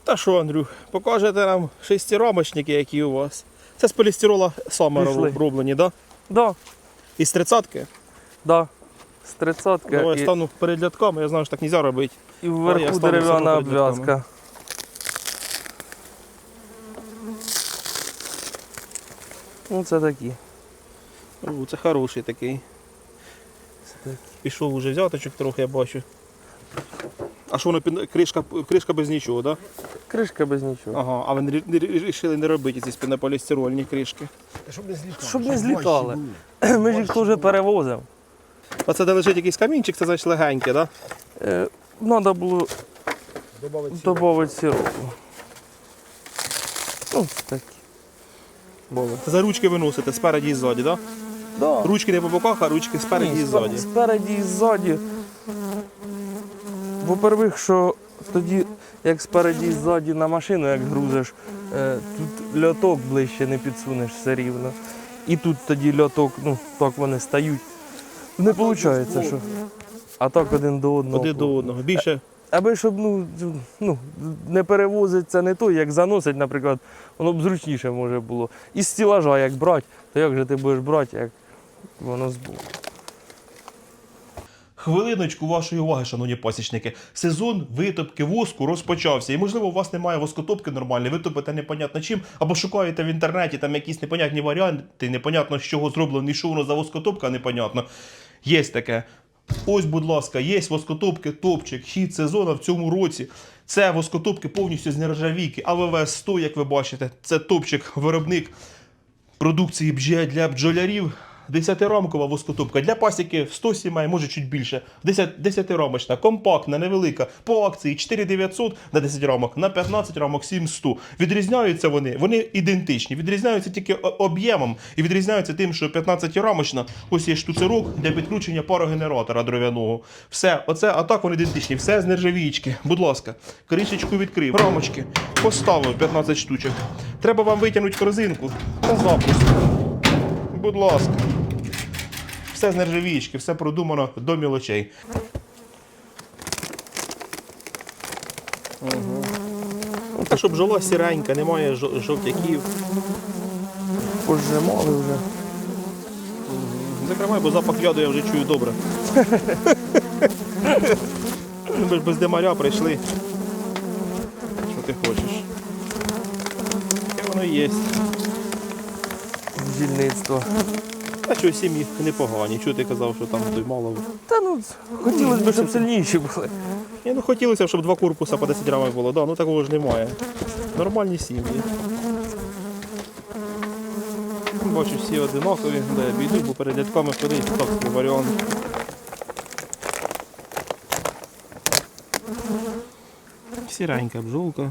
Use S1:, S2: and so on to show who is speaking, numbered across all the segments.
S1: Та що, Андрюх, покажете нам шестирамочники, які у вас. Це з полістирола саме
S2: Пішли.
S1: роблені, так? Да?
S2: Да,
S1: Із 30-ки?
S2: да. З 30-ки
S1: Давай
S2: і,
S1: стану перед рядками, я знаю, що так не можна робити.
S2: і
S1: я
S2: вверху
S1: стану
S2: дерев'яна
S1: себе перед
S2: обв'язка. Ну це такі.
S1: Це хороший такий. Пішов уже взяточок трохи, я бачу. А що воно, кришка без нічого, так? Да?
S2: Кришка без нічого.
S1: Ага, а ви вирішили не робити ці спінополістирольні кришки.
S3: Щоб не злітали.
S2: Щоб не злітали. Ми ж їх теж перевозимо.
S1: Оце де лежить якийсь камінчик, це значить легеньке, так? Да?
S2: Треба було додати сиропу. Ну, це такі.
S1: За ручки виносите спереді і ззаді, так?
S2: Да.
S1: Да? Ручки не по боках, а ручки спереді і ззаді.
S2: Спереді і ззаді. Во-первых, що тоді, як спереді і ззаді на машину, як грузиш, тут льоток ближче не підсунеш все рівно. І тут тоді льоток, ну, так вони стають. Не виходить, що. А так один до одного.
S1: Один до одного. Більше.
S2: Аби щоб не перевозить це не той, як заносить, наприклад, воно б зручніше може було. Із стілажа як брати, то як же ти будеш брати, як воно збоку.
S1: Хвилиночку вашої уваги, шановні пасічники. Сезон витопки воску розпочався. І, можливо, у вас немає воскотопки нормальної, ви топите непонятно чим, або шукаєте в інтернеті там якісь непонятні варіанти, непонятно з чого зроблено, що воно за воскотопка, непонятно. Є таке. Ось, будь ласка, є воскотопки, топчик, хід сезону в цьому році. Це воскотопки повністю з нержавійки. АВВ-100, як ви бачите, це топчик, виробник продукції для бджолярів. 10-рамкова воскотопка. Для пасіки 100 сімей, може чуть більше. 10-рамочна, компактна, невелика. По акції 4900 на 10 рамок, на 15 рамок 7100. Відрізняються вони ідентичні. Відрізняються тільки об'ємом і відрізняються тим, що 15-рамочна, ось є штуцерок для підключення парогенератора дров'яного. Все, оце, а так вони ідентичні. Все з нержавійки. Будь ласка, кришечку відкрив, рамочки поставив 15 штучок. Треба вам витягнути корзинку та запуск. Будь ласка. Все з нержавійки, все продумано до мілочей. Та щоб бджола сіренька, немає жовтяків.
S2: Пожимали вже.
S1: Закривай, бо запах яду я вже чую добре. Ми ж без димаря прийшли. Що ти хочеш? Таке воно і є.
S2: Бджільництво.
S1: А що, сім'ї непогані. Чого ти казав, що там той мало?
S2: Та ну, хотілося б, щоб сильніші були.
S1: Ну хотілося б, щоб 2 корпуса по 10 рамок було. Да, ну такого ж немає. Нормальні сім'ї. Бачу, всі одинакові. Да, я бійду, бо перед рядками ходить. Так, собі варіант. Сіренька бджолка.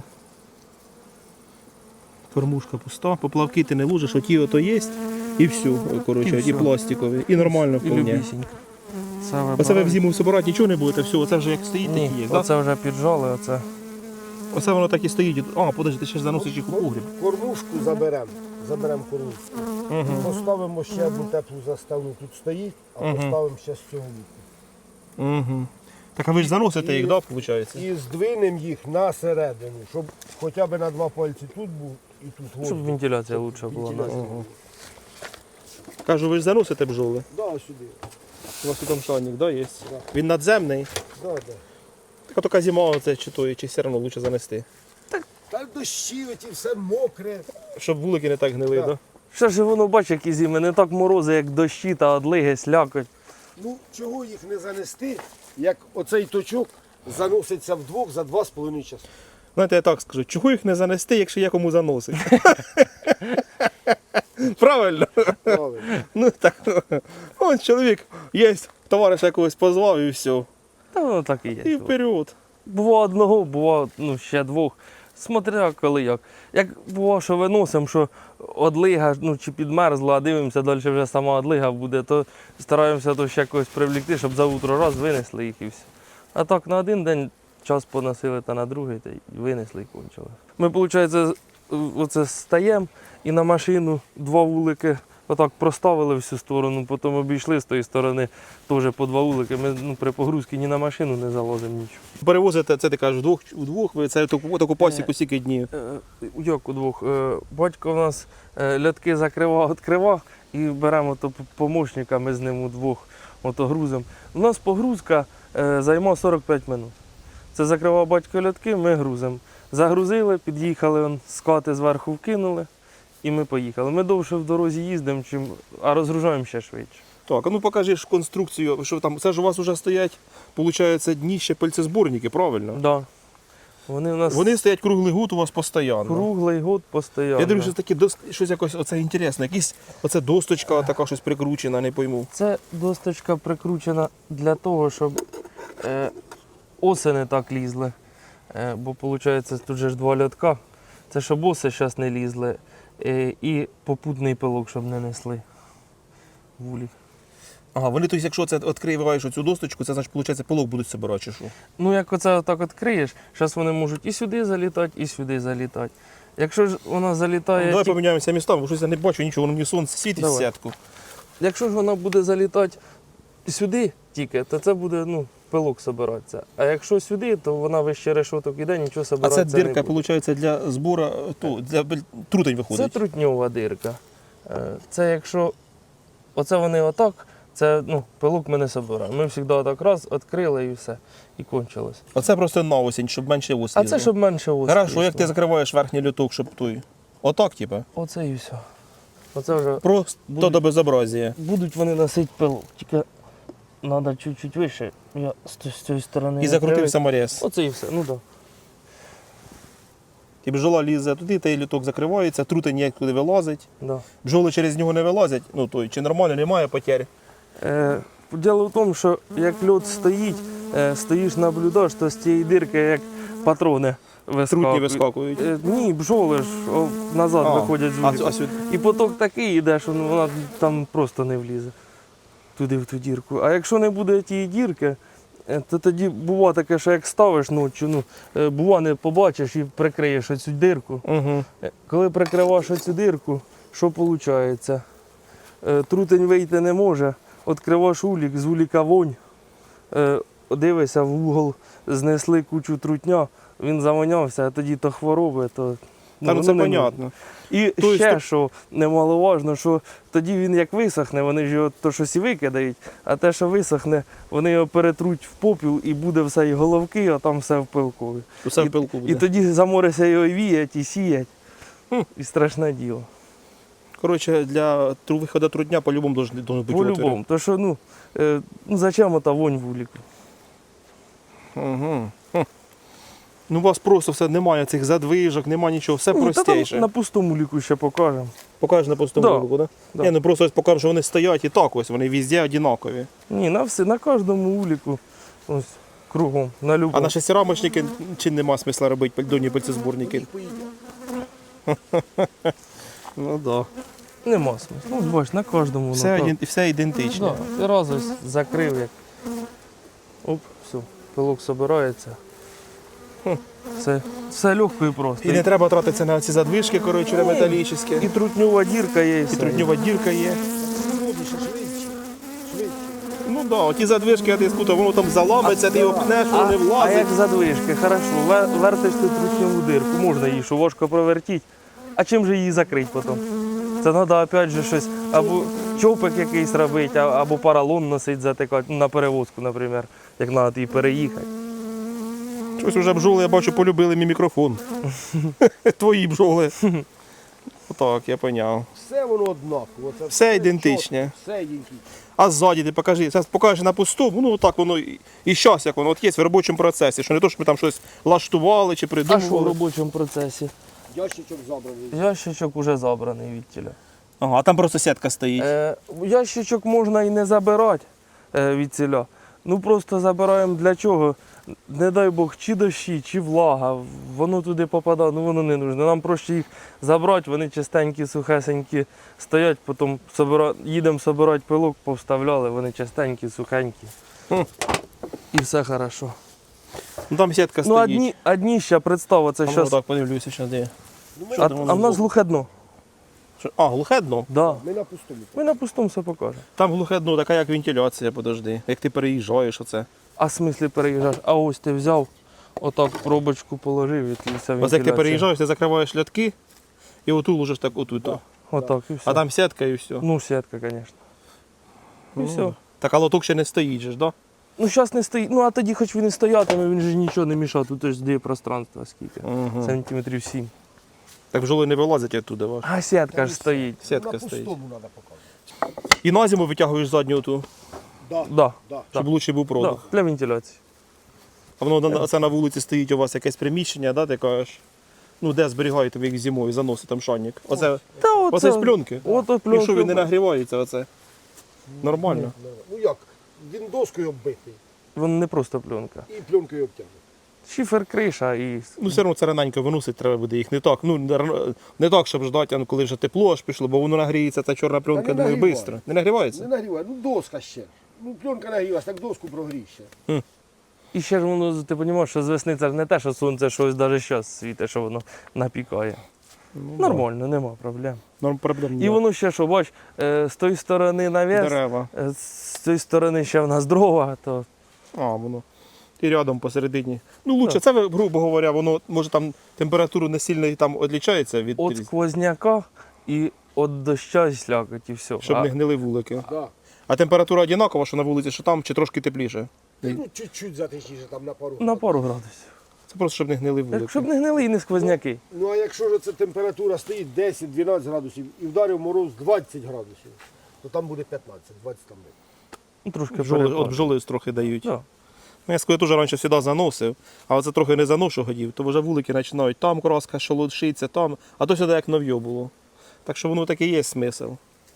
S1: Кормушка пуста. Поплавки ти не лужиш, оті ото є. І все, коротше, і пластикові. І нормально
S2: І
S1: вполне.
S2: любісінько.
S1: Оце ви в зиму собирати нічого не будете, все, оце вже як стоїть,
S2: Ні,
S1: такі є, так?
S2: оце вже піджали, оце.
S1: Оце воно так і стоїть. А, подожди, ти ще ж заносиш їх у погріб.
S3: Кормушку заберемо кормушку. Поставимо ще одну теплу заставну, тут стоїть, а поставимо ще з цього боку.
S1: Угу. Так а ви ж заносите їх, так, виходить?
S3: І здвинемо їх на середину, щоб хоча б на 2 пальці тут був і тут воздух.
S2: Щоб вентиляція краще була.
S3: Вентиляція.
S1: Кажу, ви ж заносите бджоли?
S3: Да, сюди.
S1: У вас тут там шальник, да, є?
S3: Да.
S1: Він надземний.
S3: Да.
S1: Так а така зима оце чи все одно краще занести.
S3: Та дощі, оті все мокре.
S1: Щоб вулики не так гнили, так?
S3: Да.
S1: Да?
S2: Що ж воно, бачиш, які зими, не так морози, як дощі та одлиги, слякоть.
S3: Ну, чого їх не занести, як оцей точок заноситься вдвох за 2,5 часа.
S1: Знаєте, я так скажу, чого їх не занести, якщо є кому заносить? Правильно?
S3: Правильно.
S1: Ну так. Ось чоловік є, товариша якогось позвав і все.
S2: Та воно так і є.
S1: І вперед.
S2: Бува одного, бува ще 2. Смотря коли як. Як бува, що виносимо, що одлига чи підмерзла, а дивимося, далі вже сама одлига буде, то стараємося то ще когось привлекти, щоб за утро раз винесли їх і все. А так на один день час поносили та на другий, та й винесли і кончили. Ми, виходить, оце стаємо і на машину 2 вулики отак проставили всю сторону, потім обійшли з тої сторони теж по 2 вулики. Ми при погрузці ні на машину не залазимо нічого.
S1: Перевозите, це ти кажеш, вдвох, ви це таку пасіку скільки днів?
S2: Як удвох? Батько у нас льотки закривав, відкривав і беремо то помощника, ми з ним удвох грузимо. У нас погрузка займає 45 минут. Це закривав батько льотки, ми грузимо. Загрузили, під'їхали, скати зверху вкинули і ми поїхали. Ми довше в дорозі їздимо, а розгружаємо ще швидше.
S1: Так, а ну покажи ж конструкцію, що там, це ж у вас вже стоять, виходить, дніще пальцезборники, правильно?
S2: Да. Вони у нас
S1: Вони стоять круглий год у вас постійно.
S2: круглий год постійно.
S1: Я дивлюся, такі щось якось оце інтересне, якісь оце досточка така щось прикручена, не пойму.
S2: Це досточка прикручена для того, щоб оси не так лізли. Бо виходить, тут же ж 2 льотка. Це щоб оси зараз не лізли. І попутний пилок, щоб не несли. Вулік.
S1: Ага, вони, тобто, якщо це відкриваєш оцю досточку, це значить, виходить, пилок будуть собирати, чи що?
S2: Ну, як оце отак відкриєш, зараз вони можуть і сюди залітати, і сюди залітати. Якщо ж вона залітає.
S1: Давай поміняємося містами, бо щось я не бачу нічого, воно мені сонце світить в
S2: Давай.
S1: сітку.
S2: Якщо ж вона буде залітати сюди тільки, то це буде пилок збиратися. А якщо сюди, то вона вище решоток іде, нічого
S1: А
S2: збиратися
S1: це
S2: не
S1: дирка,
S2: буде.
S1: виходить, для збору, для трутень
S2: Це
S1: виходить.
S2: трутньова дирка. Це якщо оце вони отак, це пилок ми не збираємо. Ми завжди отак раз, відкрили і все. І кончилось.
S1: Оце просто на осінь, щоб менше ос
S2: А
S1: лізло.
S2: це щоб менше ось.
S1: Хорошо, як ти закриваєш верхній люток, щоб той. Отак, типа.
S2: Оце і все. Оце вже
S1: Просто до безобразія.
S2: будуть вони носити пилок. Тільки треба чуть-чуть вище. Я з цієї сторони.
S1: І закрутив саморез.
S2: Оце і все. Ну так.
S1: І бджола лізе туди, той люток закривається, трутень ніяк туди вилазить.
S2: Да.
S1: Бджоли через нього не вилазять, чи нормально, немає потерь.
S2: Діло в тому, що як льот стоїть, стоїш наблюдаєш, то з цієї дирки як патрони
S1: Трутні
S2: вискакують.
S1: вискакують.
S2: Ні, бджоли ж назад виходять з вулика.
S1: А сюди?
S2: І поток такий йде, що вона там просто не влізе туди в ту дірку. А якщо не буде тієї дірки, то тоді буває таке, що як ставиш ночі, бува не побачиш і прикриєш оцю дирку.
S1: Угу.
S2: Коли прикриваєш оцю дирку, що виходить? Трутень вийти не може, відкриваєш улік, з уліка вонь, дивишся в угол, знесли кучу трутня, він завонявся, а тоді то хвороби, то
S1: Та ну це понятно.
S2: І
S1: Тобто
S2: ще,
S1: ти-
S2: що немаловажно, що тоді він як висохне, вони ж його то щось і викидають, а те, що висохне, вони його перетруть в попіл і буде все і головки, а там все в пилкові.
S1: Усе в пилку буде.
S2: І тоді заморися його і віять, і сіять. І страшне діло.
S1: Коротше, для виходу трудня по-любому должен бути отвір.
S2: По-любому. То що, зачем ота вонь в уліку?
S1: Угу. Ну, у вас просто все немає цих задвижок, немає нічого, все
S2: Та там
S1: простіше.
S2: на пустому ліку ще покажемо.
S1: Покажеш на пустому
S2: Да.
S1: луку, так?
S2: Да.
S1: Ні, ну просто ось покажу, що вони стоять і так ось, вони везде однакові.
S2: Ні, на кожному уліку, ось кругом, на
S1: А
S2: любому.
S1: на шестирамочники чи нема смисла робити донні пальцезборники? Ну так.
S2: Нема смислу. Ну, бач, на кожному.
S1: Все ідентичне.
S2: Да, ти раз ось закрив, як. Оп, все, пилок збирається. Все легко і просто.
S1: І не треба тратитися на ці задвижки, коротше, металічні.
S2: І трутньова дірка є, і
S1: І
S2: все.
S1: трудньова дірка є.
S3: Швидше, швидше.
S1: Ну так, оті задвижки, я ти скутав, воно там заламиться, ти його пнеш, воно не
S2: А
S1: влазить.
S2: як задвижки, хорошо, вертиш ти трутньову дирку, можна її, що важко провертіть. А чим же її закрити потім? Це треба опять же щось, або чопик якийсь робити, або поролон носити, затикати, на перевозку, наприклад, як треба її переїхати.
S1: Щось уже бджоли, я бачу, полюбили мій мікрофон. Твої бджоли. Отак, я поняв.
S3: Все воно однаково. Це
S1: Все ідентичне.
S3: чітко, все ідентичне.
S1: А ззаді ти покажи. Зараз покажеш на пустому, ну так воно і щас, як воно от є в робочому процесі, що не то, що ми там щось лаштували чи
S2: А що в
S1: придумували.
S2: робочому процесі?
S3: Ящичок забраний.
S2: Ящичок уже забраний від тіля.
S1: Ага, а там просто сітка стоїть.
S2: Ящичок можна і не забирати від ціля. Ну просто забираємо для чого? Не дай Бог, чи дощі, чи влага, воно туди попадає, ну воно не нужно. Нам проще їх забрати, вони чистенькі, сухесенькі стоять, потім їдемо збирати пилок, повставляли, вони чистенькі, сухенькі. І все хорошо.
S1: Ну там сітка
S2: Ну
S1: стоїть.
S2: одні ще представ, це
S1: А ну,
S2: зараз.
S1: так подивлюся, що де.
S2: А в нас глухе дно.
S1: А, глухе дно?
S2: Да.
S3: Ми на пустому.
S2: Ми на пустому все покажемо.
S1: Там глухе дно, така як вентиляція, подожди. Як ти переїжджаєш оце.
S2: А в смислі переїжджаєш? А ось ти взяв, отак пробочку положив і вся
S1: Ось як ти переїжджаєш, ти закриваєш лятки і оту ложиш так отут.
S3: Да.
S2: Отак і все.
S1: А там сітка і все.
S2: Ну, сітка, звісно. І все.
S1: Так, а лоток ще не стоїть же ж, да?
S2: Ну, зараз не стоїть. Ну, а тоді хоч він і стоятиме, він же нічого не мішав. Тут ж де пространство скільки.
S1: Угу.
S2: Сантиметрів 7.
S1: Так бджоли не вилазять оттуда ваш.
S2: А сітка ж стоїть.
S1: Сітка
S3: на
S1: стоїть.
S3: пустому треба показувати.
S1: І на зиму витягуєш задню оту,
S3: Да.
S2: Да.
S3: Да.
S1: щоб лучше був
S2: Да,
S1: продух.
S2: для вентиляції.
S1: А воно це на вулиці стоїть у вас якесь приміщення, да, ти кажеш? Ну, де зберігаєте ви їх зимою, заносите там шанник. Оце,
S2: Та
S1: оце з пленки.
S2: От
S1: І
S2: пленки.
S1: що він не нагрівається оце? Нормально.
S3: Ну як? Він доскою оббитий
S2: Воно не просто пленка.
S3: і пленкою обтягнутий.
S2: Шифер, криша і.
S1: Ну, все одно це раненько виносить, треба буде їх не так. Ну, не так, щоб ждати, а коли вже тепло аж пішло, бо воно нагріється, ця чорна пленка,
S3: не
S1: думаю,
S3: нагріває.
S1: швидко. Не нагрівається?
S3: Не нагріває, ну доска ще. Ну пленка нагрівається, так доску прогрій ще.
S2: І ще ж воно, ти розумієш, що з весни це ж не те, що сонце щось навіть зараз світить, що воно напікає. Нормально, нема проблем.
S1: Норм проблем
S2: І
S1: немає.
S2: воно ще що, бач, з тої сторони навіс,
S1: Дерева.
S2: з цієї сторони ще в нас дрова, то
S1: А, воно. І рядом посередині. Ну, лучше, це, грубо говоря, воно, може, там температуру не сильно там відлічається від,
S2: від сквозняка і від доща і слякоті, все.
S1: щоб не гнили вулики.
S3: Да.
S1: А температура однакова, що на вулиці, що там, чи трошки тепліше?
S3: Ну чуть-чуть затишніше там на пару.
S2: На пару градусів.
S1: Це просто, щоб не гнили вулики.
S2: Щоб не гнили і не сквозняки.
S3: Ну а якщо ж це температура стоїть 10-12 градусів і вдарив мороз 20 градусів, то там буде 15, 20 там буде.
S2: Ну, трошки
S1: Бджоли,
S2: перепаду.
S1: от бджоли трохи дають.
S2: Да.
S1: Ну, я скажу, я теж раніше завжди заносив, а оце трохи не заношу годів, то вже вулики починають там краска шолодшиться, там, а то сюди як нов'є було. Так що воно таки є смисл.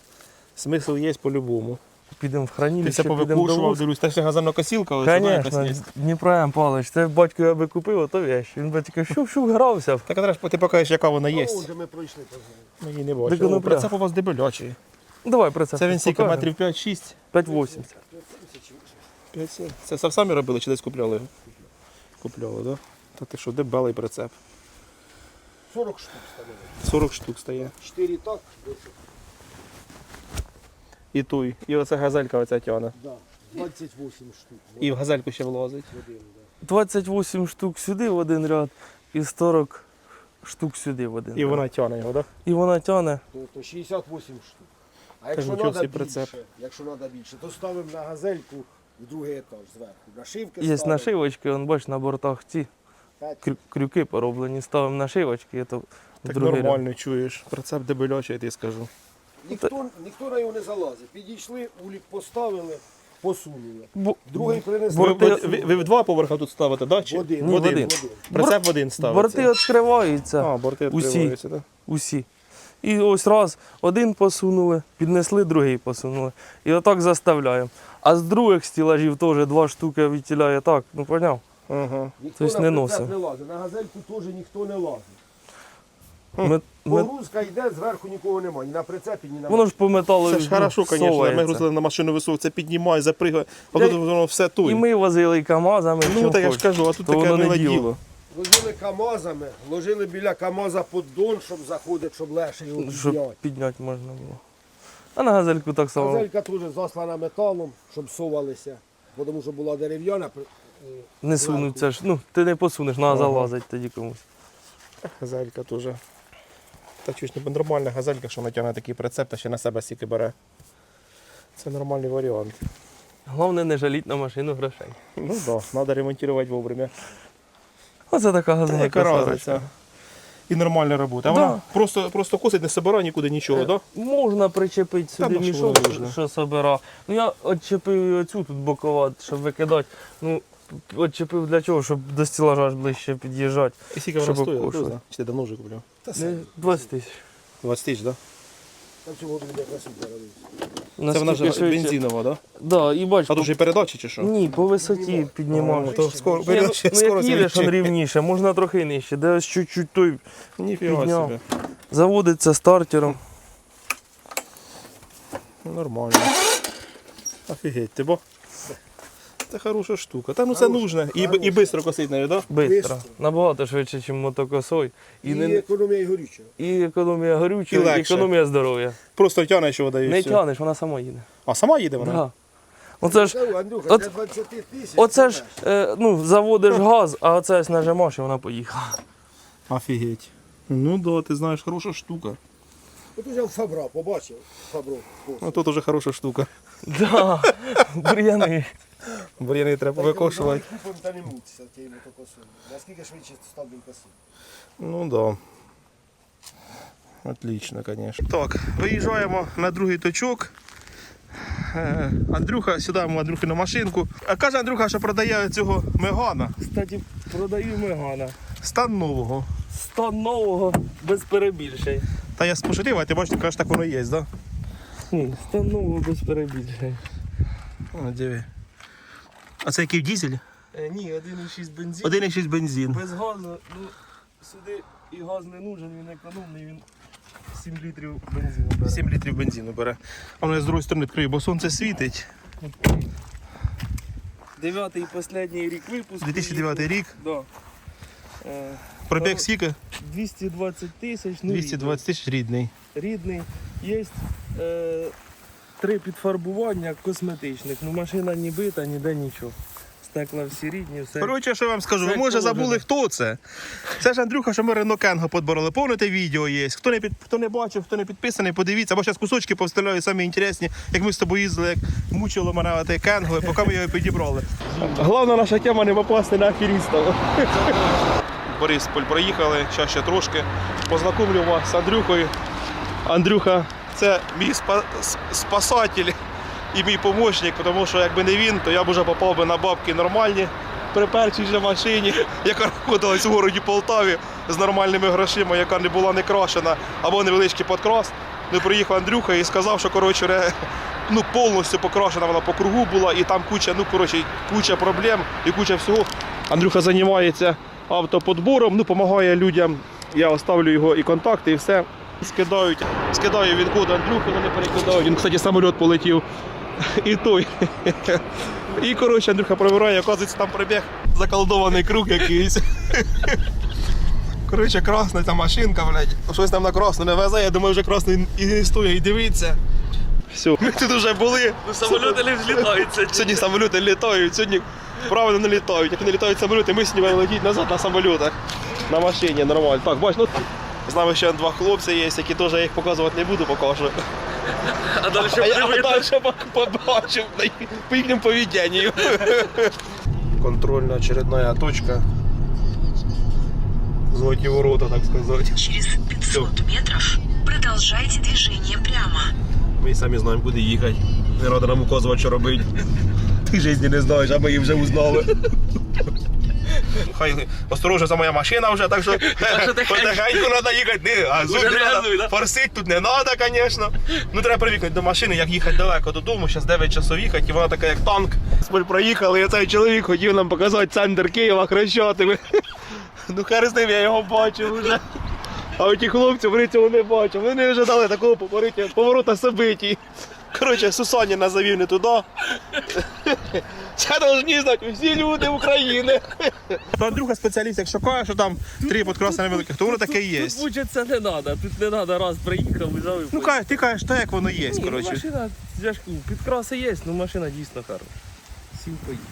S1: Смисл є по-любому.
S2: Підемо в
S1: Ти
S2: хранилище,
S1: все
S2: підемо до
S1: повикушував,
S2: вузу.
S1: дивлюсь, та ще газельна косілка, але сюди якась
S2: Звісно,
S1: є.
S2: Дніпро М. Павлович, це батько я би купив, а то вещь. Він би тільки шух-шух грався.
S1: Так а треба ж ти покажеш, яка вона є.
S3: А он же ми пройшли по знаю.
S1: Ми її не
S2: Так
S1: бачимо.
S2: воно
S1: Прицеп у вас дебелячий.
S2: Давай про це.
S1: Це він скільки,
S2: покажемо.
S1: метрів 5-6?
S2: 5,80.
S1: 5-7. Це самі робили чи десь купляли його? Купляли, так? Да? Та ти що, дебелий прицеп.
S3: 40 штук становить.
S1: 40 штук стає.
S3: 4 так, 10.
S1: І той. І оце газелька оця тягне.
S3: Да. 28 штук.
S1: І в газельку ще влазить.
S3: В один, да.
S2: 28 штук сюди в один ряд і 40 штук сюди в один
S1: І
S2: ряд.
S1: вона тягне його, так?
S2: І вона тягне.
S3: То 68 штук. А якщо
S1: нічого
S3: треба
S1: собі
S3: більше,
S1: прицеп.
S3: то ставимо на газельку в другий етаж зверху. Нашивки
S2: Є
S3: ставимо.
S2: нашивочки, он бач на бортах ці
S3: П'ять.
S2: крюки пороблені. Ставимо нашивочки, і то в
S1: Так
S2: другий ряд.
S1: нормально чуєш. Прицеп дебелячий, я тобі скажу.
S3: Ніхто на його не залазить. Підійшли, улік поставили, посунули.
S2: Бо-
S3: Другий принесли.
S1: Ви,
S2: Борти-
S1: ви в два поверха тут ставите, так? Да?
S3: В один.
S2: Ні, в один.
S1: Прицеп в один ставиться.
S2: Борти відкриваються.
S1: А, борти
S2: усі.
S1: відкриваються, так?
S2: Усі. І ось раз один посунули, піднесли, другий посунули. І отак заставляємо. А з других стілажів теж 2 штуки відтіляє так, ну поняв?
S1: Ага.
S3: Ніхто
S2: Тобто
S3: на
S2: не
S3: прицеп
S2: носив.
S3: не лазить. На газельку теж ніхто не лазить.
S2: Ми,
S3: Погрузка йде, зверху нікого немає. Ні на прицепі, ні на
S2: воно ж по металу
S1: Це ж хорошо, звісно. Ми
S2: совається.
S1: грузили на машину високо, це піднімає, запригає, а
S2: Я-
S1: тут воно все тут.
S2: І ми возили і КАМАЗами.
S1: Ну,
S2: чим
S1: так я ж
S2: хоч.
S1: кажу, а тут
S2: То
S1: таке
S2: воно не
S1: миле
S2: діло.
S1: діло.
S3: Возили КАМАЗами, ложили біля КАМАЗа поддон, щоб заходити, щоб легше його
S2: Щоб
S3: підняти.
S2: підняти можна було. А на газельку так само.
S3: Газелька теж заслана металом, щоб совалися, бо тому що була дерев'яна.
S2: Не сунуться ж. Ну, ти не посунеш, треба залазить тоді комусь.
S1: Газелька теж. Та чуєш, не нормальна газелька, що натягне такий прицеп, та ще на себе стільки бере. Це нормальний варіант.
S2: Головне не жаліть на машину грошей.
S1: Ну так, да, треба ремонтувати вовремя.
S2: Оце така
S1: Яка
S2: газелька.
S1: разниця? І нормальна робота. А
S2: Да.
S1: вона просто косить, не собирає нікуди нічого, так? Да?
S2: Можна причепити сюди
S1: на що
S2: мішок,
S1: воно нужно?
S2: що собира. Ну я відчепив оцю тут бокова, щоб викидати. Ну, відчепив для чого, щоб до стілажа аж ближче під'їжджати.
S1: І скільки вона
S2: Щоб
S1: стоїть?
S2: обкошувати.
S1: Хто знає? Чи ти давно вже купляв?
S3: Та
S2: Не,
S3: все.
S2: 20 тисяч.
S1: 20 тисяч, так?
S3: Там цього буде красиво робити.
S1: Да? Це вона ж бензинова, так? Да?
S2: Да, і бач,
S1: А тут же і передачі чи що?
S2: ні, по висоті піднімаєш.
S1: То скоро,
S2: Ні,
S1: передачі
S2: ну, як
S1: скоро
S2: їдеш, он
S1: звідчі.
S2: рівніше, можна трохи нижче, де ось чуть-чуть той
S1: Ніфіга
S2: підняв.
S1: собі.
S2: Заводиться стартером.
S1: Ну, нормально. Офігеть, ти бо? Це хороша штука. Та ну це нужно. І швидко косить нею, так?
S2: Бистро.
S3: Бистро.
S2: Набагато швидше, ніж мотокосой.
S3: І економія і горючого.
S2: І економія
S1: І
S2: горючого, і
S1: легше.
S2: економія здоров'я.
S1: Просто тягне, що вода і
S2: Не
S1: все.
S2: тягнеш, вона сама їде.
S1: А сама їде вона?
S2: Да. Оце ж,
S3: Андрюха,
S2: от-
S3: для 20 тисяч.
S2: оце ж заводиш газ, а оце ось нажимаєш і вона поїхала.
S1: Офігеть. Ну да, ти знаєш, хороша штука.
S3: От уже Фабра, побачив. Фабру.
S1: Ну тут уже хороша штука.
S2: Да, бур'яни.
S1: Бур'яни треба викошувати.
S3: Купом та не мутися тією мотокосою. Наскільки швидше став він косити.
S1: Ну да. Отлично, конечно. Так, виїжджаємо на другий точок. Андрюха, сідаємо Андрюхи на машинку. А каже Андрюха, що продає цього Мегана.
S2: Кстати, продаю Мегана.
S1: Стан нового.
S2: Стан нового без перебільшень.
S1: Та я пошутив, а ти бачиш, ти кажеш, так воно є, так?
S2: Ні, стан нового без перебільшень.
S1: О, диви. А це який дизель?
S2: Ні, 1,6 бензин.
S1: 1,6 бензин.
S2: Без газу, ну, сюди і газ не нужен, він економний, він 7 літрів бензину бере.
S1: 7 літрів бензину бере. А воно я з другої сторони відкрию, бо сонце світить.
S2: 9-й і останній рік випуску.
S1: 2009 рік.
S2: Да.
S1: Пробіг скільки?
S2: 220 тисяч, ну
S1: 220 тисяч рідний.
S2: рідний. Є 3 підфарбування косметичних, ну машина не бита, ніде нічого. Стекла всі рідні, все.
S1: Коротше, що я вам скажу, ви
S2: Це
S1: може
S2: положено.
S1: забули, хто це. Це ж Андрюха, що ми Renault Kangoo подбороли. Повните відео є. Хто не бачив, хто не підписаний, подивіться. Або зараз кусочки повставляю, самі інтересні, як ми з тобою їздили, як мучило мене те Kangoo, поки ми його підібрали. Головна наша тема не попасти на аферістів. Борисполь проїхали, зараз ще трошки. Познайомлю вас з Андрюхою. Андрюха це мій спасатель і мій помічник, тому що якби не він, то я б вже попав би на бабки нормальні при першій же машині, яка знаходилась у городі Полтаві з нормальними грошима, яка не була не крашена або невеличкий подкрас. Ну, приїхав Андрюха і сказав, що коротше, ну, повністю покрашена вона по кругу була, і там куча проблем і куча всього. Андрюха займається автоподбором, ну, допомагає людям. Я оставлю його і контакти, і все. Скидаю він код Андрюхи, але не перекидаю. Він, кстати, самоліт полетів. І той. І, коротше, Андрюха провіряє, оказується, там прибіг заколдований круг якийсь. Коротше, красна та машинка, блядь. Щось там на красну не везе, я думаю, вже красний і не стоїть, і дивиться. Все, ми тут вже були.
S2: Ну, самоліти не взлітаються.
S1: Сьогодні самоліти літають, сьогодні правильно не літають. Як не літають самоліти, ми сьогодні будемо летіти назад на самолітах. На машині, нормально. Так, бач, ну з нами ще 2 хлопці є, які теж я їх показувати не буду, покажу.
S2: А далі
S1: А я далі побачив по їхньому поведенню. Контрольна очередная точка. Золоті ворота, так сказати.
S4: Через 500 метров продолжайте движение прямо.
S1: Ми самі знаємо, куди їхати. Не треба нам указувати, що робити. Ти в житті не знаєш, а ми її вже узнали. Хай осторожно, це моя машина вже, так що потихеньку треба їхати. Газуй,
S2: Вже не газуй, да?
S1: форсити тут не треба, звісно. Ну треба привикнути до машини, як їхати далеко додому. Зараз 9 часов їхати, і вона така як танк. Ми проїхали, і цей чоловік хотів нам показати центр Києва Хрещатими. Ну хер з ним, я його бачив вже. А оті хлопці, вони цього не бачать. Вони не ожидали такого поворота событий. Коротше, Сусаніна завів не туди. Це повинні знати всі люди України. Андрюха спеціаліст, якщо каже, що там 3 підкраси великих, то воно таке і є.
S2: Тут вчиться не треба, тут не треба раз приїхав, взяв і
S1: Ну ти кажеш так, як воно є,
S2: Ні, ну,
S1: коротше.
S2: машина, я ж кажу, підкраси є, але машина дійсно хороша. Сім поїхав.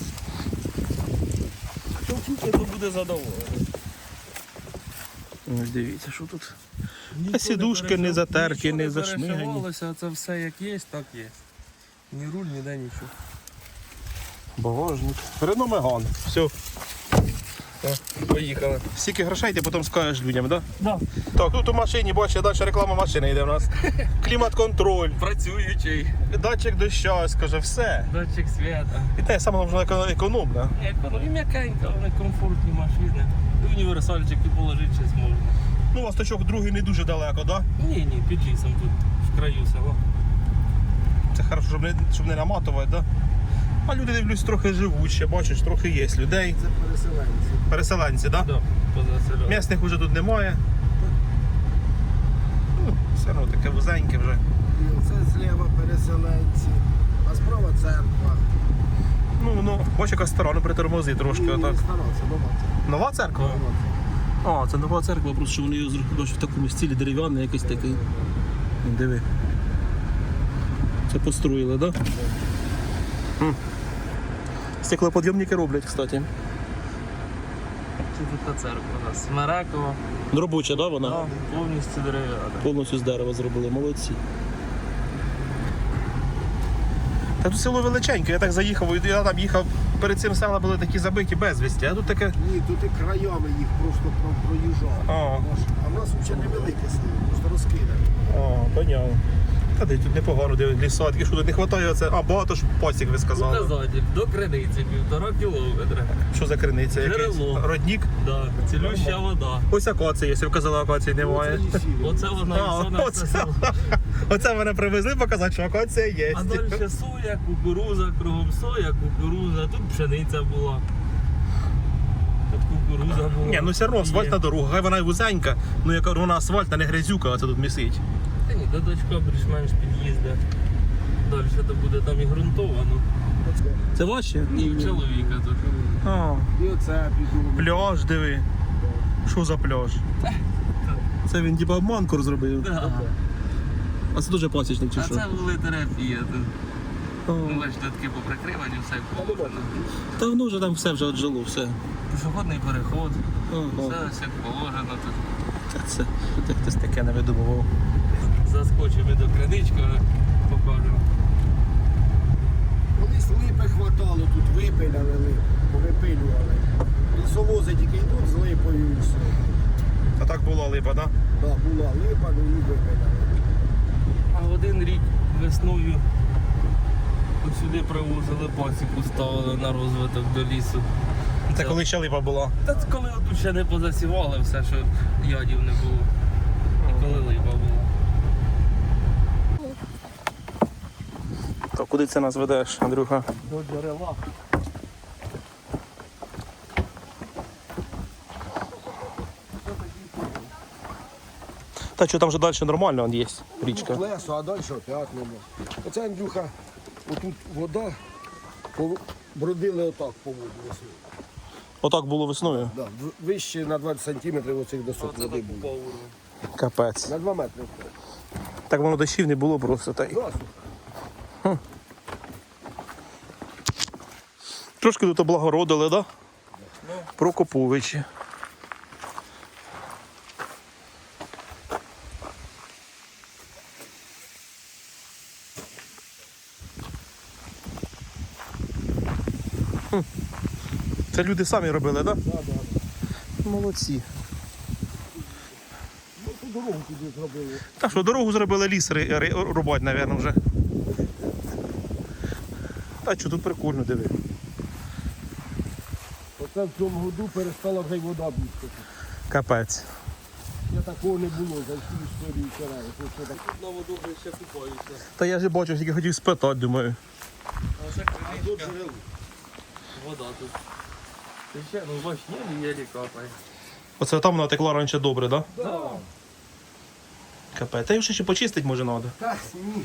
S2: Хто вчиться, то буде задоволений.
S1: Ось дивіться, що тут.
S2: Нічого
S1: сідушки не затерті, не зашмигані.
S2: перешивалося, це все як є, так є. Ні руль, ніде нічого.
S1: Багажник. Renault Megane. Все.
S2: Поїхали.
S1: Стільки грошей ти потім скажеш людям, так?
S2: Да.
S1: Так, тут у машині, бачиш, далі реклама машини йде у нас. Клімат-контроль,
S2: Працюючий.
S1: датчик дощу, скаже, все.
S2: Датчик свята.
S1: І те саме воно економно.
S2: І м'якенька, вони комфортні машини. І універсальчики положити щось можна.
S1: Ну, у вас точок другий не дуже далеко, так?
S2: Ні, під лісом тут, в краю села.
S1: Це хорошо, щоб не наматувати, так? А люди, дивлюсь, трохи живуть ще, бачиш, трохи є людей.
S3: Це переселенці.
S1: Переселенці, так?
S2: Да, поза селом.
S1: Місних вже тут немає. Ну, все одно таке вузеньке вже.
S3: І оце зліва переселенці, а справа церква.
S1: Ну, бач, яка стара, ну притормози трошки.
S3: Ні,
S1: Отак.
S3: не старався,
S1: Нова церква? А, це нова церква, просто що вони її зробили в такому стилі дерев'яний, якийсь такий. Диви. Це построїли, так? Да? Стеклоподйомники роблять, кстати.
S2: Тут така церква у нас. Смерекова.
S1: Робоча, да, вона?
S2: Да, повністю дерев'яна.
S1: Повністю з дерева зробили, молодці. Та тут село величеньке, я так заїхав, я там їхав, перед цим села були такі забиті безвісті, а тут таке.
S3: Ні, тут і краями їх просто проїжджали.
S1: А.
S3: А в нас взагалі невелике село, просто розкидане.
S1: А, понятно. Та де тут непогано, де лісатки, що тут не вистачає оце. А, багато ж пасік ви сказали.
S2: Показатель. До криниці 1,5 кілометра.
S1: Що за криниця? Якийсь
S2: Джерело.
S1: роднік?
S2: Да, цілюща вода.
S1: Ось акація, якщо вказали, акації немає.
S3: Оце лісів.
S2: Оце вона
S1: А,
S2: і все на все
S1: оце.
S2: село.
S1: Оце мене привезли показати, що акація є.
S2: А далі соя, кукуруза, кругом соя, кукуруза, тут пшениця була. Тут кукуруза була.
S1: Ні, ну все одно асфальтна
S2: Є.
S1: дорога, хай вона й вузенька, ну яка вона асфальтна, не грязюка, а це тут місить.
S2: Та ні, до дочка більш-менш під'їзде. Далі то буде там і ґрунтовано.
S1: Це ваші?
S2: І в чоловіка тут.
S1: А,
S3: І оце піду.
S1: пляж, диви. Що за пляж? Це він типа обманку зробив.
S2: Да.
S1: А це дуже пасічник чи
S2: А
S1: що?
S2: це були терапія тут.
S1: А.
S2: Ну, бачите, такі поприкривані, все положено.
S1: Та воно вже там все вже отжило, все.
S2: Пішохідний переход,
S1: Ага.
S2: все як положено тут.
S1: Це тут хтось таке не видумував.
S2: Заскочимо до кринички, покажемо.
S3: Колись липи хватало, тут випиляли лип, повипилювали. Лісовози тільки йдуть з липою і все.
S1: А так була липа, так?
S3: Да, була липа, ну і випиляли.
S2: А в один рік весною ось сюди привозили пасіку, ставили на розвиток до лісу.
S1: Це коли ще липа була.
S2: Та це коли тут ще не позасівали все, що ядів не було. І коли липа була.
S1: То куди це нас ведеш, Андрюха?
S2: До джерела.
S1: Та що там вже далі нормально он є, річка.
S3: Плесо, а далі опять нема. Оце, Андрюха, отут вода, бродили отак по воду весною.
S1: Отак було весною.
S3: Да, вище на 20 сантиметрів оцих досок води було.
S1: Капець.
S3: На 2 метри.
S1: Так воно дощів не було просто. Та й.
S3: Да, слухай.
S1: Трошки тут облагородили, так? Да? Прокоповичі. Це люди самі робили, так? Да?
S3: Да, да.
S1: Молодці.
S3: Ну, ту дорогу туди зробили.
S1: Так що дорогу зробили, ліс рубать, мабуть, вже. Та що тут прикольно, диви.
S3: Оце в цьому году перестала вже й вода бігти.
S1: Капець.
S3: Я такого не було за всю історію вчора.
S2: На воду ще купаються.
S1: Та я ж бачу, тільки хотів спитати, думаю.
S2: А ще криничка. Вода тут. Ти ще, ну бач, єлі капає.
S1: Оце там вона текла раніше добре, так? Да?
S3: Да.
S1: Капець. Та їм ще почистити може треба.
S3: Так, ні.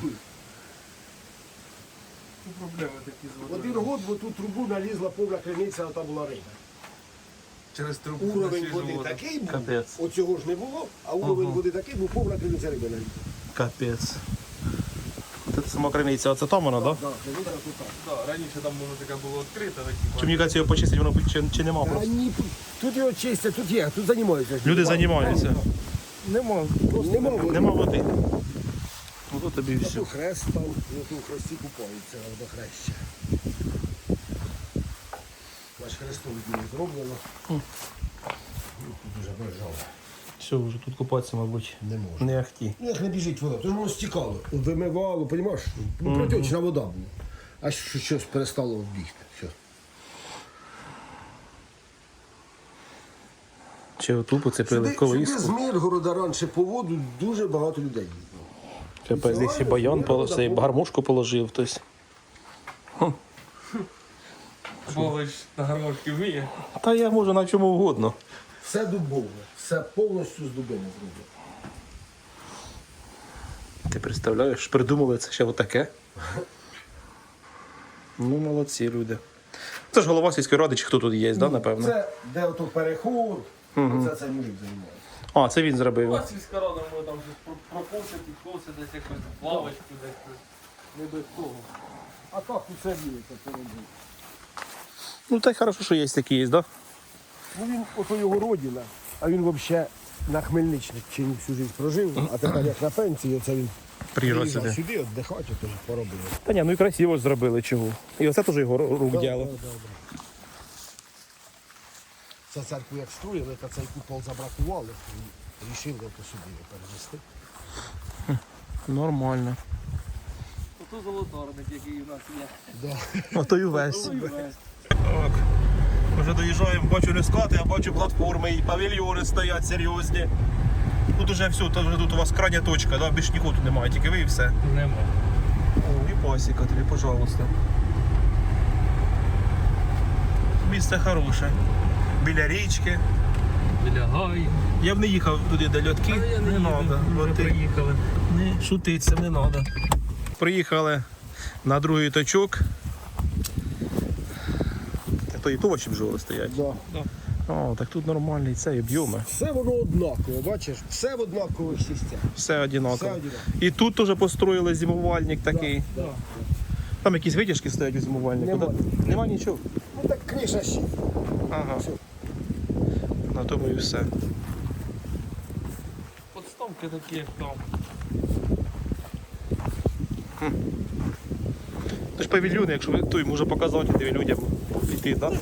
S2: Проблеми такі з водою.
S3: Один год в ту трубу налізла повна криниця, а там була риба.
S2: Через трубу на
S3: Уровень
S2: свіжу
S3: води
S2: воду.
S3: такий був,
S1: Капець.
S3: оцього ж не було, а уровень води такий був, повна криниця риби налізла.
S1: Капець. Це сама криниця, оце там вона, так? Да?
S3: Так, криниця тут так.
S2: Да, раніше там воно така було відкрита,
S1: Чи мені кажеться, його почистити, воно чи нема
S3: Та
S1: просто?
S3: ні, тут його чистять, тут є, тут займаються.
S1: Люди займаються.
S2: Нема.
S3: Нема води.
S1: Нема води. Ото тобі і все.
S3: Тут хрест там, і тут хресті купаються до хреща. Наш хрестом діло зроблено. Дуже бажало.
S1: Все, вже тут купатися, мабуть,
S3: Не можна.
S1: не ахті.
S3: Ну, як не біжить вода, тому воно стікало. Вимивало, розумієш? Ну, протічна вода була. А щось перестало бігти. Все.
S1: Чи оту поцепили
S3: Сюди з
S1: колиску.
S3: Миргорода раніше по воду дуже багато людей їздило.
S1: Капець, десь і баян положив, гармошку положив хтось.
S2: Бович на гармошки вміє.
S1: Та я можу на чому угодно.
S3: Все дубове, все повністю з дубини зроблено.
S1: Ти представляєш, придумали це ще отаке. Ну, молодці люди. Це ж голова сільської ради, чи хто тут є, да, напевно?
S3: Це де ото переход, оце цей мужик займається.
S1: А, це він зробив.
S2: У вас сільська рада може там щось прокосити, косити, десь якусь лавочку, десь.
S3: Не без того. А так усе віється поробив.
S1: Ну, так хорошо, що є такі є, да?
S3: Ну він, ото його родина, а він взагалі на Хмельниччині всю життя прожив, а тепер як на пенсії, оце він
S1: Приїжджав
S3: приїжджав
S1: сюди.
S3: сюди віддихати, то поробив.
S1: Та ні, ну і красиво ж зробили, чого. І оце теж його рук діло.
S3: Це церкву як строїли, та цей купол забракували, і рішили то сюди його перевести.
S1: Нормально.
S2: Ото золотарник, який у нас є.
S3: Да.
S1: Ото й увесь. Так. Вже доїжджаємо, бачу не скати, а бачу платформи і павільйони стоять серйозні. Тут уже все, тут у вас крайня точка, да? Більш нікого тут немає, тільки ви і все.
S2: Нема.
S1: О, і пасіка тобі, пожалуйста. Місце хороше. Біля річки.
S2: Біля гаю.
S1: Я б не їхав туди до льотки. Не треба. Бо ти
S2: приїхали.
S1: не шутиться, не треба. Приїхали на другий точок. То і то бджоли стоять.
S3: Да.
S1: О, так тут нормальний цей об'єми.
S3: Все воно однаково, бачиш? Все в однакових сістях.
S1: Все одинаково.
S3: Все однаково.
S1: І тут теж построїли зимувальник такий.
S3: Да.
S1: Там якісь витяжки стоять у зимувальнику.
S3: Нема.
S1: Да? Нема нічого.
S3: Ну так криша ще.
S1: Ага.
S3: Все.
S1: На тому і все.
S2: Подставки такі, як там.
S1: Це ж павільйони, якщо ви той може показати тобі людям піти, так?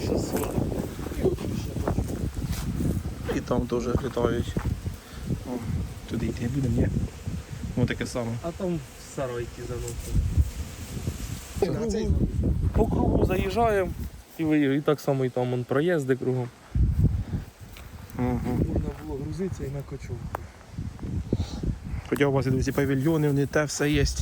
S1: І там теж літають. О, туди йти будемо, ні? Ось таке саме.
S2: А там сарайки заносять.
S3: А цей
S2: По кругу заїжджаємо і виїжджаємо. І так само і там он проїзди кругом.
S1: Угу.
S2: Можна було грузитися і на кочовку.
S1: Хоча у вас і ці павільйони, вони те все є.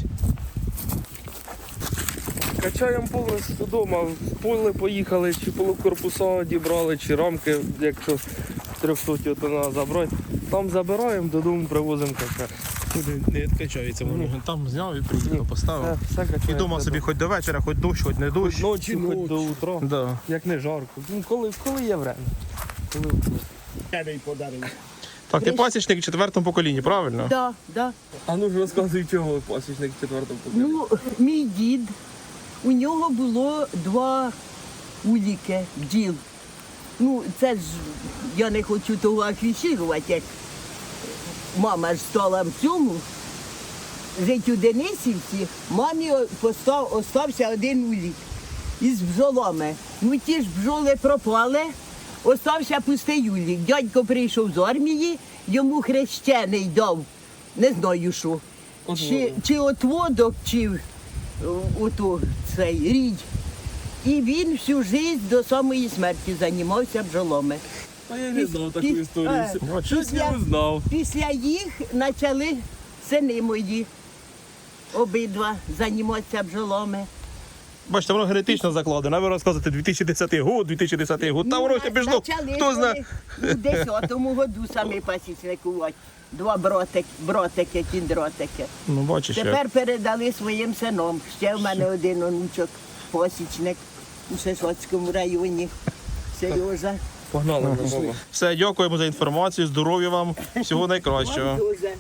S2: Качаємо поле додому, в поле поїхали, чи полукорпуса дібрали, чи рамки, якщо 300 тонна забрати. Там забираємо, додому привозимо качати.
S1: Туди не відкачається воно. Там зняв і приїхав, поставив.
S2: Все
S1: І
S2: качаємо.
S1: вдома собі хоч до вечора, хоч дощ, хоч не дощ.
S2: Ночі, хоч до утра.
S1: Да.
S2: Як не жарко. Ну, коли є время. Коли
S3: Кедей подарив.
S1: Так, ти пасічник в четвертому поколінні, правильно?
S5: Да, да.
S2: А ну ж розказуй, чого пасічник четвертого покоління.
S5: Ну, мій дід, у нього було 2 уліки бджіл. Ну, це ж я не хочу того афішувати, як мама ж стала в цьому. Жить у Денисівці, мамі остався 1 улік із бджолами. Ну ті ж бджоли пропали, остався пустий улік. Дядько прийшов з армії, йому хрещений дав, не знаю що. Чи отводок, чи ото цей рідь. І він всю життя до самої смерті займався бджолами.
S2: А я не знав таку
S5: Піс-
S2: історію.
S5: а,
S2: Щось я не знав.
S5: Після їх почали сини мої обидва займатися бджолами.
S1: Бачите, воно генетично закладено. А ви розказуєте 2010 год, 2010 год. Та воно ще пішло.
S5: Почали
S1: Хто знає?
S5: коли у 10-му году самі пасічникувати. 2 братики, кіндротики.
S1: Ну, бачиш, як.
S5: Тепер передали своїм синам. Ще в мене один онучок, посічник у Сисоцькому районі. Сережа.
S2: Погнали на баба.
S1: Все, дякуємо за інформацію, здоров'я вам, всього найкращого.
S5: Дуже.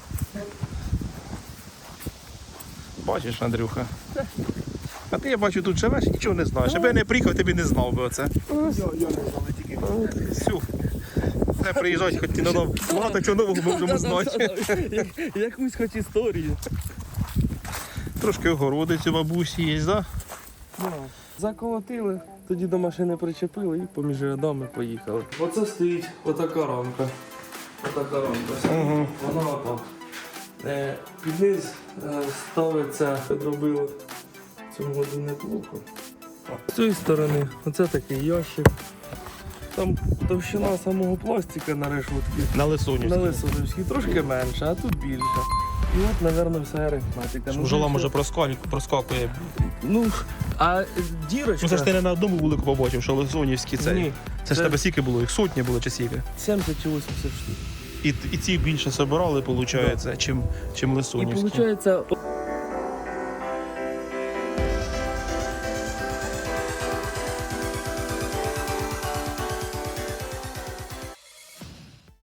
S1: Бачиш, Андрюха. А ти, я бачу, тут живеш і нічого не знаєш. Аби я не приїхав, ти б і не знав би оце.
S3: Я не знав, тільки.
S1: Всю. Не приїжджати, хоч і на нову. Багато чого нового ми можемо знати.
S2: Якусь хоч історію.
S1: Трошки огородиць у бабусі є, так?
S2: Заколотили, тоді до машини причепили і поміж рядами поїхали. Оце стоїть отака рамка. Отака рамка. Вона отак. Під низ ставиться, підробили в цьому году неплохо. З цієї сторони, оце такий ящик. Там товщина самого пластика на решетці.
S1: На Лисунівській.
S2: На Лисунівській трошки менше, а тут більше. І от, мабуть, вся арифметика. Ну,
S1: Бджола
S2: більше-
S1: може проскакує.
S2: Ну, а дірочка...
S1: Ну це ж ти не на одному вулику побачив, що Лисунівські цей.
S2: Ні,
S1: Це ж тебе скільки було? Їх сотні було чи скільки?
S2: 70 чи 80 штук.
S1: І ці більше собирали, виходить, чим
S2: І
S1: Лисунівські.
S2: виходить,